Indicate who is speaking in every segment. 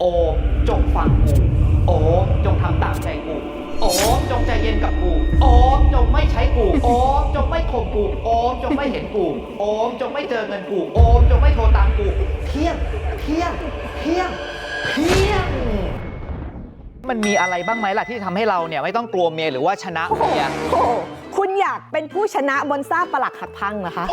Speaker 1: โอมจงฟังกูโอมจงทำตามใจกูโอมจงใจเย็นกับกูโอมจงไม่ใช้กูโอมจงไม่ข่มกูโอมจงไม่เห็นกูโอมจงไม่เจอเงินกูโอมจงไม่โทรตามกูเที่ยงเที่ยงเที่ยงเที่ยงมันมีอะไรบ้างไหมล่ะที่ทำให้เราเนี่ยไม่ต้องกลัวเมียหรือว่าชนะเมีย
Speaker 2: โอ้โหคุณอยากเป็นผู้ชนะบนซากปรักหักพังเหรอคะ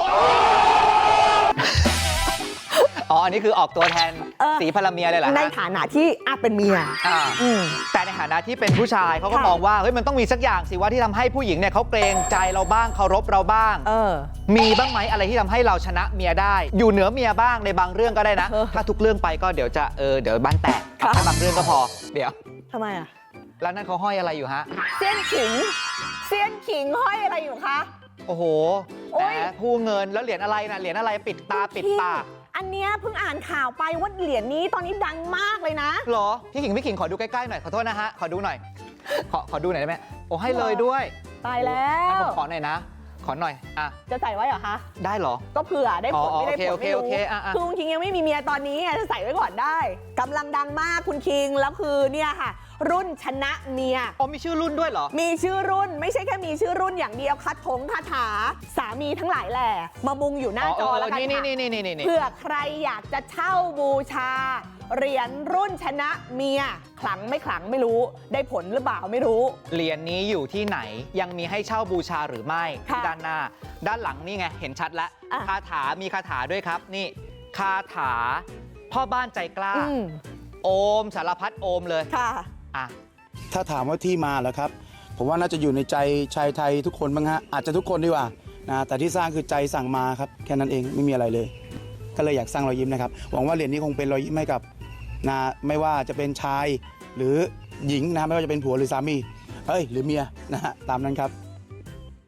Speaker 1: อ๋ออันนี้คือออกตัวแทนสีพลเมียเลยเหรอฮะ
Speaker 2: ในฐานะที่เป็นเมีย
Speaker 1: แต่ในฐานะที่เป็นผู้ชายเขาก็
Speaker 2: ค่ะ
Speaker 1: มองว่าเฮ้ยมันต้องมีสักอย่างสิว่าที่ทำให้ผู้หญิงเนี่ยเขาเกรงใจเราบ้างเคารพเราบ้าง มีบ้างไหมอะไรที่ทำให้เราชนะเมียได้ อยู่เหนือเมียบ้างในบางเรื่องก็ได้นะ ถ้าทุกเรื่องไปก็เดี๋ยวจะเดี๋ยวบ้านแตก
Speaker 2: ค่ะ
Speaker 1: แค่บางเรื่องก็พอเดี๋ยว
Speaker 2: ทำไมอ่ะ
Speaker 1: แล้วนั่นเขาห้อยอะไรอยู่ฮะ
Speaker 2: เสี้ยนขิงห้อยอะไรอยู่คะ
Speaker 1: โอ้โห
Speaker 2: โอ๊
Speaker 1: แหม
Speaker 2: ย
Speaker 1: ผู้เงินแล้วเหรียญอะไรนะเหรียญอะไรปิดตาปิดปาก
Speaker 2: อันเนี้ยเพิ่งอ่านข่าวไปว่าเหรียญนี้ตอนนี้ดังมากเลยนะ
Speaker 1: เหรอพี่ขิงขอดูใกล้ๆหน่อยขอโทษนะฮะขอดูหน่อยขอดูหน่อยได้ไหมโอ้ให้เลยด้วย
Speaker 2: ตายแล้
Speaker 1: งั้น
Speaker 2: ว
Speaker 1: ผมขอหน่อยนะ ขอหน่อยอ่ะ
Speaker 2: จะใส่ไว้เหรอคะ
Speaker 1: ได้เหรอ
Speaker 2: ก็เผื่อได้ผล
Speaker 1: อ๋อ
Speaker 2: ไม่ได้ผล
Speaker 1: โอเค
Speaker 2: ไม่รู้
Speaker 1: โอเคอ่ะ
Speaker 2: คือคุณคิงยังไม่มีเมียตอนนี้ไงจะใส่ไว้ก่อนได้กำลังดังมากคุณคิงแล้วคือเนี่ยค่ะ รุ่นชนะเมีย
Speaker 1: อ๋อมีชื่อรุ่นด้วยเหรอ
Speaker 2: มีชื่อรุ่นไม่ใช่แค่มีชื่อรุ่นอย่างเดียวคาถาสามีทั้งหลายแหละมามุงอยู่หน้าจอแล้วกัน
Speaker 1: นี่
Speaker 2: ค่ะ
Speaker 1: นี่
Speaker 2: เผื่อใครอยากจะเช่าบูชา เหรียญรุ่นชนะเมียขลังไม่ขลังไม่รู้ ได้ผลหรือเปล่าไม่รู้
Speaker 1: เหรียญนี้อยู่ที่ไหนยังมีให้เช่าบูชาหรือไม่
Speaker 2: ค่ะ
Speaker 1: ด้านหน้า ด้านหลังนี่ไงเห็นชัดแล้ว
Speaker 2: อ่ะ
Speaker 1: คาถามีคาถาด้วยครับ นี่คาถาพ่อบ้านใจกล้า โอมสารพัดโอมเลย
Speaker 2: ค่ะ
Speaker 1: อ่ะ
Speaker 3: ถ้าถามว่าที่มาเหรอครับ ผมว่าน่าจะอยู่ในใจชายไทยทุกคนบ้างฮะอาจจะทุกคนดีกว่านะแต่ที่สร้างคือใจสั่งมาครับแค่นั้นเองไม่มีอะไรเลย ก็เลยอยากสร้างรอยยิ้มนะครับหวังว่าเหรียญนี้คงเป็นรอยยิ้มให้กับนะไม่ว่าจะเป็นชายหรือหญิงนะไม่ว่าจะเป็นผัวหรือสามีหรือเมียนะฮะตามนั้นครับ